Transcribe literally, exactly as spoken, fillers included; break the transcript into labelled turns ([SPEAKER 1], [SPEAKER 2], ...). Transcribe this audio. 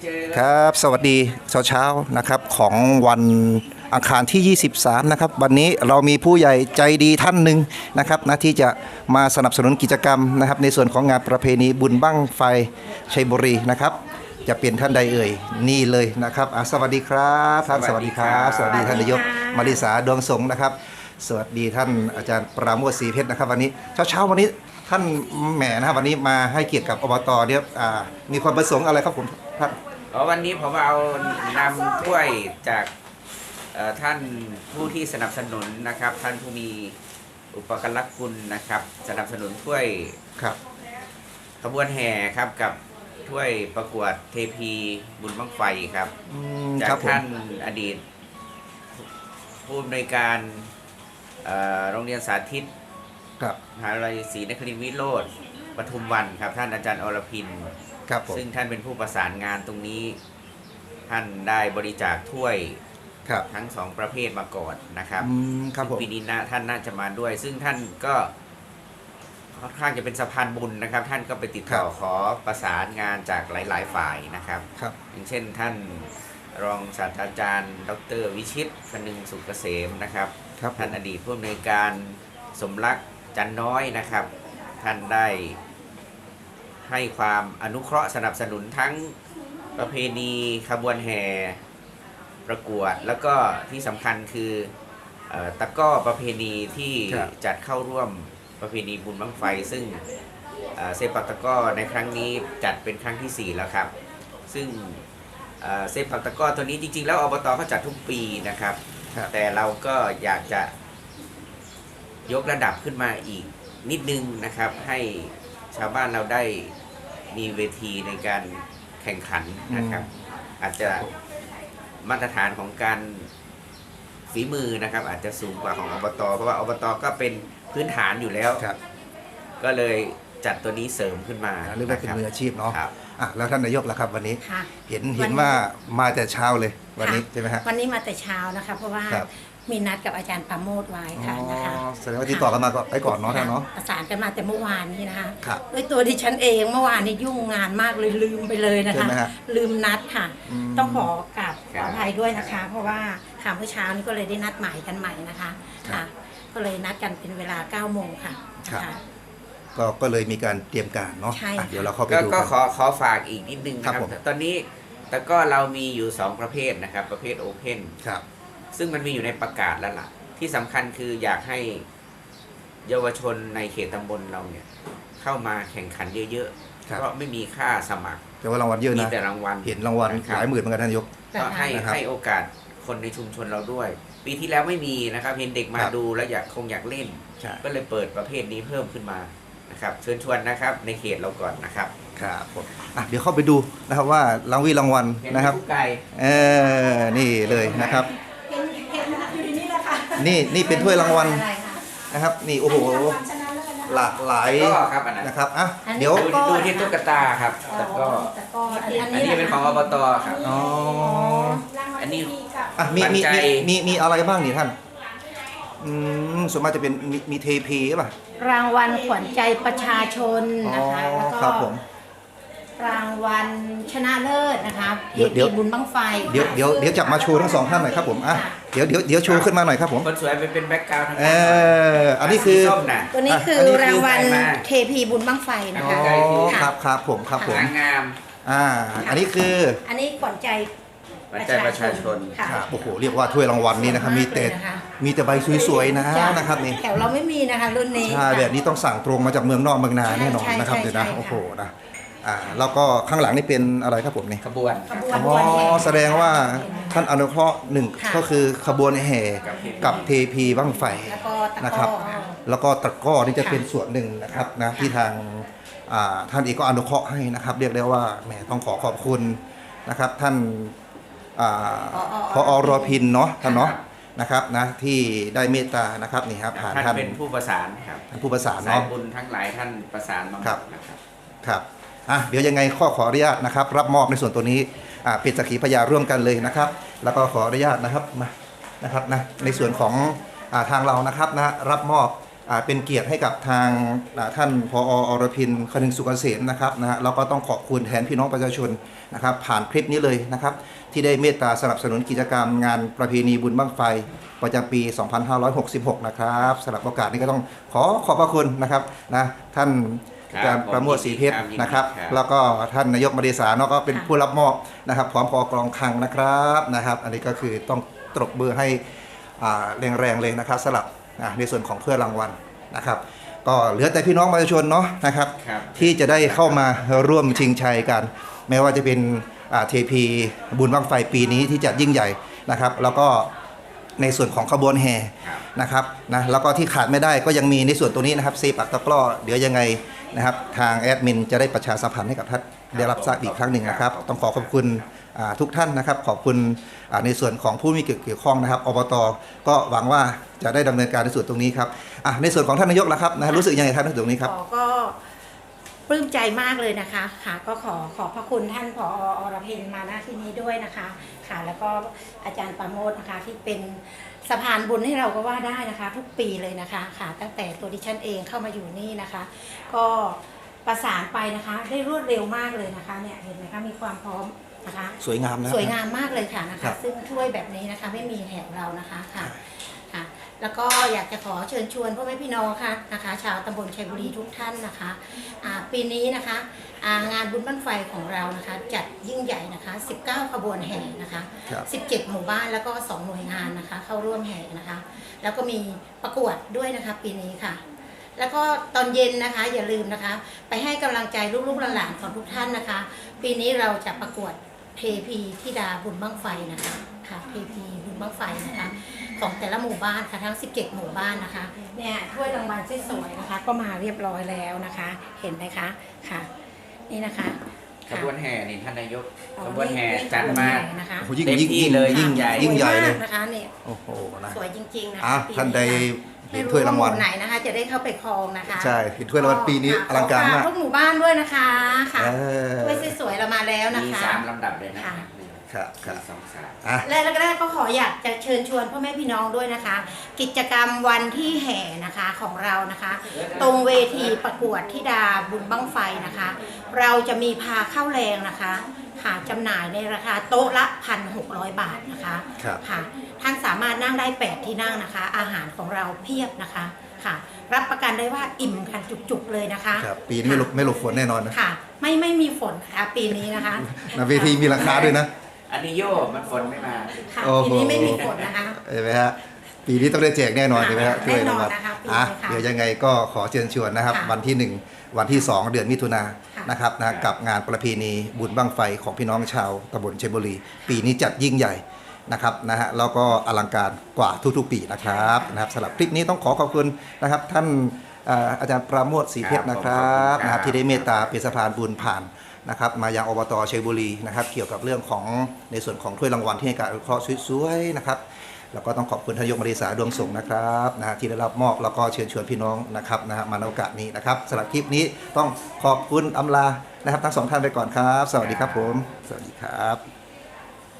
[SPEAKER 1] ครับสวัสดีเช้าเช้านะครับของวันอังคารที่ยี่สิบสามนะครับวันนี้เรามีผู้ใหญ่ใจดีท่านหนึ่งนะครับนะที่จะมาสนับสนุนกิจกรรมนะครับในส่วนของงานประเพณีบุญบั้งไฟชัยบุรีนะครับจะเป็นท่านใดเอ่ยนี่เลยนะครับอ่ะสวัสดีครับท่านสวัสดีครับสวัสดีท่านนายกมาริสาดวงสงฆ์นะครับสวัสดีท่านอาจารย์ปราโมทศรีเพชรนะครับวันนี้เช้าเช้าวันนี้ท่านแหมนะครับวันนี้มาให้เกียรติกับอบตเนี่ยมีความประสงค์อะไรครับผมท่าน
[SPEAKER 2] อ๋อวันนี้ผมเอานำถ้วยจากท่านผู้ที่สนับสนุนนะครับ ท่านผู้มีอุปการะคุณนะครับ สนับสนุนถ้วย
[SPEAKER 1] ครับ
[SPEAKER 2] ขบวนแห่ครับกับถ้วยประกวดเทพีบุญบั้งไฟครับจากท่านอดีตผู้อำนวยการโรงเรียนสาธิตมหาวิทยาลัยศรีนครินทร์วิโรจน์ปทุมวันครับท่านอาจารย์อรพินซึ่งท่านเป็นผู้ประสานงานตรงนี้ท่านได้บริจาคถ้วยทั้งสองประเภทมาก่อนนะครับปีนี้นะท่านน่าจะมาด้วย ซึ่งท่านก็ค่อนข้างจะเป็นสะพานบุญนะครับท่านก็ไปติดต่อขอประสานงานจากหลายๆฝ่ายนะครับอย่างเช่นท่านรองศาสตราจารย์ดรวิชิตคนึงสุกเกษมนะครับท่านอดีตผู้อำนวยการสมรักจันน้อยนะครับท่านได้ให้ความอนุเคราะห์สนับสนุนทั้งประเพณีขบวนแห่ประกวดแล้วก็ที่สำคัญคือตะก้อประเพณีที่จัดเข้าร่วมประเพณีบุญบั้งไฟซึ่งเซปักตะก้อในครั้งนี้จัดเป็นครั้งที่สี่แล้วครับซึ่งเซปักตะก้อตัวนี้จริงๆแล้วอบตเขาจัดทุกปีนะครับแต่เราก็อยากจะยกระดับขึ้นมาอีกนิดนึงนะครับให้ชาวบ้านเราได้มีเวทีในการแข่งขันนะครับอาจจะมาตรฐานของการฝีมือนะครับอาจจะสูงกว่าของอบตเพราะว่าอบตก็เป็นพื้นฐานอยู่แล้วก็เลยจัดตัวนี้เสริมขึ้นมา
[SPEAKER 1] เรียกว่าเป็นมืออาชีพเนาะอ่ะแล้วท่านนายกล่ะครับวันนี้เห็นเห็นว่ามาแต่เช้าเลยวันนี้ใช่ไหมฮะ
[SPEAKER 3] วันนี้มาแต่เช้านะคะเพราะว่ามีนัดกับอาจารย์ปราโมทไว้ค่ะนะคะ
[SPEAKER 1] แสดงว่าที่ต่อกันมาก็ไปก่อนเนาะท่านเนาะ
[SPEAKER 3] ประสานกันมาแต่เมื่อวานนี้นะคะด้วยตัวดิฉันเองเมื่อวานนี้ยุ่งงานมากเลยลืมไปเลยนะคะลืมนัดค่ะต้องขอกราบขออภัยด้วยนะคะเพราะว่าข่าวเมื่อเช้านี้ก็เลยได้นัดหมายกันใหม่นะคะค่ะก็เลยนัดกันเป็นเวลาเก้าโมงค่ะ
[SPEAKER 1] ก็ก็เลยมีการเตรียมการเนาะเดี๋ยวเราเข้าไปดู
[SPEAKER 2] ก็ขอขอฝากอีกนิดนึงนะครับตอนนี้แต่ก็เรามีอยู่สองประเภทนะครับประเภทโอเพนซึ่งมันมีอยู่ในประกาศแล้วล่ะที่สำคัญคืออยากให้เยาวชนในเขตตำบลเราเนี่ยเข้ามาแข่งขันเยอะๆเพราะไม่มีค่าสมัคร
[SPEAKER 1] แต่ว่ารางวัลเยอะนะ
[SPEAKER 2] มีแต่รางวัล
[SPEAKER 1] เห็นรางวัลหลายหมื่นเหมือนกันท่านนายก
[SPEAKER 2] ก็ให้ให้โอกาสคนในชุมชนเราด้วยปีที่แล้วไม่มีนะครับเห็นเด็กมาดูแล้วอยากคงอยากเล่นก็เลยเปิดประเภทนี้เพิ่มขึ้นมานะครับเชิญชวนนะครับในเขตเราก่อนนะครับ
[SPEAKER 1] ครับผมอ่ะเดี๋ยวเข้าไปดูนะครับว่ารางวีรางวัลนะครับเออนี่เลยนะครับนี่นี่เป็นถ้วยรางวัลนะครับนี่โอ้โหหลากหลายนะครับอ่ะเดี๋ยว
[SPEAKER 2] ดูที่ตุ๊กตาครับแล้วก็อันนี้เป็นของอบตครับอ๋ออันนี้
[SPEAKER 1] อ่ะมีมีมีมีอะไรบ้างนี่ท่านอืมส่วนมากจะเป็นมีมีเทพีใช่ป่ะ
[SPEAKER 3] รางวัลขวัญใจประชาชนนะคะแล้วก็รางวัลชนะเลิศนะคะเทพีบุญบั้งไฟ
[SPEAKER 1] เดี๋ยวเดี๋ยวเดี๋ยวจับมาโชว์ทั้งสองท่านหน่อยครับผมอ่ะเดี๋ยวเดี๋ยวเดี๋ยวโชว์ขึ้นมาหน่อยครับผม
[SPEAKER 2] คนสวยไปเป็นแบ็คกราวด์ทั้ง
[SPEAKER 1] เอออันนี้คือ
[SPEAKER 3] ตัวนี้คือรางวัลเทพีบุญบั้งไฟนะคะ
[SPEAKER 1] ครับครับผมครับผม
[SPEAKER 2] งาม
[SPEAKER 1] อ่าอันนี้คือ
[SPEAKER 3] อันนี้ขวัญใจ
[SPEAKER 2] ประชาชน
[SPEAKER 1] ครับโอ้โหเรียกว่าถ้วยรางวัลนี้นะครับมีแต่มีแต่ใบสวยๆนะนะครับนี่
[SPEAKER 3] แถวเราไม่มีนะคะรุ่นนี้
[SPEAKER 1] ใช่แบบนี้ต้องสั่งตรงมาจากเมืองนอกเมืองนาแน่นอนนะครับเดี๋ยวนะโอ้โหนะอ่าแล้วก็ข้างหลังนี่เป็นอะไรครับผมนี่
[SPEAKER 2] ขบวน
[SPEAKER 1] อ๋อแสดงว่าท่านอนุเคราะห์หนึ่งก็คือขบวนแห่กับเทพีบั้งไฟนะครับแล้วก็ตะก้อนี่จะเป็นส่วนหนึ่งนะครับนะที่ทางท่านเองก็อนุเคราะห์ให้นะครับเรียกได้ว่าแหมต้องขอขอบคุณนะครับท่านพอรพินเนาะท่านเนาะนะครับนะที่ได้เมตตานะครับนี่ครับ
[SPEAKER 2] ผ่านท่านเป็นผู้ประสานครับ
[SPEAKER 1] ท่านผู้ประสาน
[SPEAKER 2] เนาะสายบุญทั้งหลายท่านประสานมา
[SPEAKER 1] ครับครับอ่ะเดี๋ยวยังไงข้อขออนุญาตนะครับรับมอบในส่วนตัวนี้อ่าเป็นสักขีพยานร่วมกันเลยนะครับแล้วก็ขออนุญาตนะครับมานะครับนะในส่วนของอ่าทางเรานะครับนะรับมอบอ่าเป็นเกียรติให้กับทางอ่าท่านผอ.อรพินคนึงสุกเกษมนะครับนะฮะแล้วก็ต้องขอบคุณแทนพี่น้องประชาชนนะครับผ่านคลิปนี้เลยนะครับที่ได้เมตตาสนับสนุนกิจกรรมงานประเพณีบุญบั้งไฟประจำปี สองพันห้าร้อยหกสิบหก นะครับสำหรับโอกาสนี้ก็ต้องขอขอบพระคุณนะครับนะท่านอาจารย์ประโมทศรีเพชรนะครับแล้วก็ท่านนายกมาริสาเนาะก็เป็นผู้รับมอบนะครับพร้อมพอกรองคลังนะครับนะครับอันนี้ก็คือต้องตบมือให้อ่าแรงๆเลยนะครับสำหรับอ่าในส่วนของเพื่อรางวัลนะครับก็เหลือแต่พี่น้องประชาชนเนาะนะครับที่จะได้เข้ามาร่วมชิงชัยกันแม้ว่าจะเป็นเทพีบุญบั้งไฟปีนี้ที่จัดยิ่งใหญ่นะครับแล้วก็ในส่วนของขบวนแห่นะครับนะแล้วก็ที่ขาดไม่ได้ก็ยังมีในส่วนตรงนี้นะครับเซปักตะกร้อเดี๋ยวยังไงนะครับทางแอดมินจะได้ประชาสัมพันธ์ให้กับท่านได้รับทราบอีกครั้งหนึ่งนะครับต้องขอขอบคุณทุกท่านนะครับขอบคุณในส่วนของผู้มีเกี่ยวข้องนะครับอบต.ก็หวังว่าจะได้ดำเนินการในส่วนตรงนี้ครับในส่วนของท่านนายกล่ะครับนะรู้สึกยังไงท่านในส่วนตรงนี้ครับ
[SPEAKER 3] ก็ปลื้มใจมากเลยนะคะค่ะก็ขอขอบพระคุณท่านผอ.อรพินมาณที่นี้ด้วยนะคะค่ะแล้วก็อาจารย์ประโมทนะคะที่เป็นสะพานบุญให้เราก็ว่าได้นะคะทุกปีเลยนะคะค่ะตั้งแต่ตัวดิฉันเองเข้ามาอยู่นี่นะคะก็ประสานไปนะคะได้รวดเร็วมากเลยนะคะเนี่ยเห็นไหมคะมีความพร้อมนะคะ
[SPEAKER 1] สวยงามนะ
[SPEAKER 3] สวยงามมากเลยค่ะนะคะซึ่งช่วยแบบนี้นะคะไม่มีแถวเรานะคะค่ะค่ะแล้วก็อยากจะขอเชิญชวนพ่อแม่พี่น้องค่ะนะคะชาวตำบลชัยบุรีทุกท่านนะคะปีนี้นะคะงานบุญบั้งไฟของเรานะคะจัดยิ่งใหญ่นะคะสิบเก้าขบวนแห่นะคะสิบเจ็ดหมู่บ้านแล้วก็สองหน่วยงานนะคะเข้าร่วมแห่นะคะแล้วก็มีประกวดด้วยนะคะปีนี้ค่ะแล้วก็ตอนเย็นนะคะอย่าลืมนะคะไปให้กำลังใจลูกๆหลานๆของทุกท่านนะคะปีนี้เราจะประกวดเทพีธิดาบุญบั้งไฟนะคะค่ะเทพีบุญบั้งไฟนะคะของแต่ละหมู่บ้านค่ะทั้งสิบเจ็ดหมู่บ้านนะคะเนี่ยถ้วยรางวัลสวยๆนะคะก็มาเรียบร้อยแล้วนะคะเห็นไหมคะค่ะนี่นะคะ
[SPEAKER 2] ขบวนแห่นี่ท่านนายกขบวนแห่จัดมา
[SPEAKER 3] นะคะ
[SPEAKER 1] ยิ่งยิ่งยิ่ง
[SPEAKER 2] เลย
[SPEAKER 1] ยิ่งใหญ่ยิ่งใหญ่เลย
[SPEAKER 3] นะคะเนี่ย
[SPEAKER 1] โอ้โหนะ
[SPEAKER 3] สวยจริงๆนะ
[SPEAKER 1] ท่านใดเห็นถ้วยรางวัล
[SPEAKER 3] ไหนนะคะจะได้เข้าไปครองนะคะ
[SPEAKER 1] ใช่เห็นถ้วยรางวัลปีนี้อลังการมาก
[SPEAKER 3] ทุกหมู่บ้านด้วยนะคะค่ะถ้วยสวยๆเรามาแล้วนะคะ
[SPEAKER 2] มีสามลำดับเลยนะคะ
[SPEAKER 1] ครับครับ
[SPEAKER 2] สองสาม
[SPEAKER 3] และแรกๆก็ขออยากจะเชิญชวนพ่อแม่พี่น้องด้วยนะคะ กิจกรรมวันที่แห่นะคะของเรานะคะ ตรงเวทีประกวดธิดาบุญบั้งไฟนะคะ เราจะมีพาเข้าแรงนะคะหาจำหน่ายในราคาโต๊ะละ หนึ่งพันหกร้อย บาทนะคะค่ะท่านสามารถนั่งได้แปดที่นั่งนะคะอาหารของเราเพียบนะคะค่ะรับประกันได้ว่าอิ่มกันจุกๆเลยนะคะ
[SPEAKER 1] ครับปีนี้ไม่หลบไม่หลบฝนแน่นอนนะ
[SPEAKER 3] ค่ะไม่ไม่มีฝนค่ะปีนี้นะคะ
[SPEAKER 1] เวทีมีราคาด้วยนะ
[SPEAKER 2] อันนี้โย่มันฝนไม่มา
[SPEAKER 3] ค่ะปีนี้ไม่มีฝนนะคะ
[SPEAKER 1] เห็นไหมฮะปีนี้ต้องได้แจกแน่นอนใช่ไหมฮะ
[SPEAKER 3] แน่นอนนะคะ
[SPEAKER 1] อ่ะเดี๋ยวยังไงก็ขอเชิญชวนนะครับวันที่หนึ่งวันที่สองเดือนมิถุนายนนะครับนะกับงานประเพณีบุญบั้งไฟของพี่น้องชาวตำบลชัยบุรีปีนี้จัดยิ่งใหญ่นะครับนะฮะแล้วก็อลังการกว่าทุกๆปีนะครับนะครับสำหรับคลิปนี้ต้องขอขอบคุณนะครับท่านอาจารย์ประโมทศรีเพชรนะครับนะครับที่ได้เมตตาเป็นสะพานบุญผ่านนะครับมายังอบต.ชัยบุรีนะครับเกี่ยวกับเรื่องของในส่วนของถ้วยรางวัลที่ให้การอนุเคราะห์สวยๆนะครับแล้วก็ต้องขอบคุณทายกมาริสาดวงสงนะครับนะฮะที่ได้รับมอบแล้วก็เชิญชวนพี่น้องนะครับนะฮะมาในโอกาสนี้นะครับสำหรับคลิปนี้ต้องขอบคุณอำลานะครับทั้งสองท่านไปก่อนครับสวัสดีครับผมสวัสดีครับ